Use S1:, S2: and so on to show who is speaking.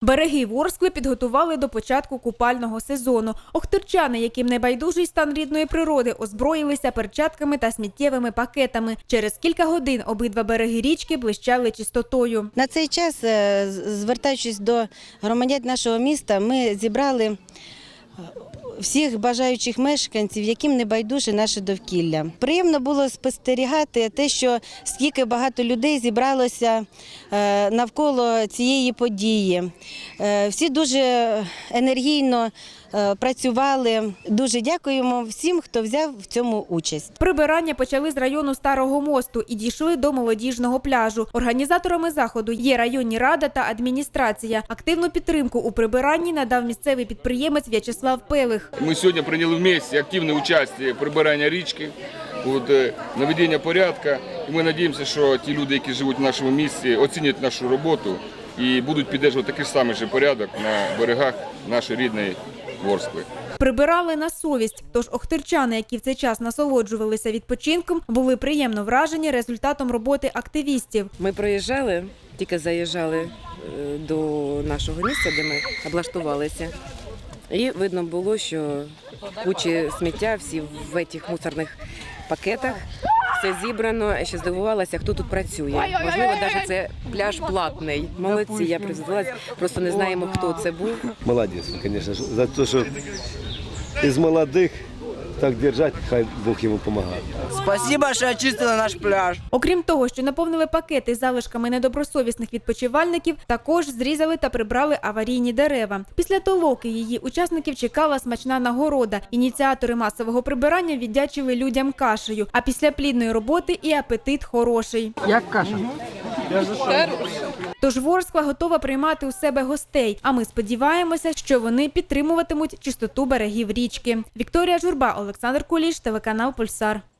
S1: Береги Ворскли підготували до початку купального сезону. Охтирчани, яким не байдужий стан рідної природи, озброїлися перчатками та сміттєвими пакетами. Через кілька годин обидва береги річки блищали чистотою.
S2: На цей час, звертаючись до громадян нашого міста, ми зібрали всіх бажаючих мешканців, яким не байдуже наше довкілля. Приємно було спостерігати те, що скільки багато людей зібралося навколо цієї події. Всі дуже енергійно працювали. Дуже дякуємо всім, хто взяв в цьому участь.
S1: Прибирання почали з району Старого мосту і дійшли до молодіжного пляжу. Організаторами заходу є районні рада та адміністрація. Активну підтримку у прибиранні надав місцевий підприємець В'ячеслав Пелих.
S3: Ми сьогодні прийняли в місті активне участь в прибиранні річки, наведення порядку. І ми сподіваємося, що ті люди, які живуть в нашому місті, оцінять нашу роботу і будуть підтримувати такий самий же порядок на берегах нашої рідної Ворскли.
S1: Прибирали на совість, тож охтирчани, які в цей час насолоджувалися відпочинком, були приємно вражені результатом роботи активістів.
S4: Ми проїжджали, тільки заїжджали до нашого місця, де ми облаштувалися. І видно було, що кучі сміття всі в цих мусорних пакетах, все зібрано. Я ще здивувалася, хто тут працює. Можливо, навіть це пляж платний. Молодці, я призвелася, просто не знаємо, хто це був.
S5: Молодець, звісно, за те, що із молодих так держати, хай Бог йому допомагає.
S6: Спасибо, що очистили наш пляж.
S1: Окрім того, що наповнили пакети залишками недобросовісних відпочивальників, також зрізали та прибрали аварійні дерева. Після толоки її учасників чекала смачна нагорода. Ініціатори масового прибирання віддячили людям кашею, а після плідної роботи і апетит хороший.
S6: Як каша?
S1: Тож Ворскла готова приймати у себе гостей, а ми сподіваємося, що вони підтримуватимуть чистоту берегів річки. Вікторія Журба, Олександр Куліш, телеканал «Пульсар».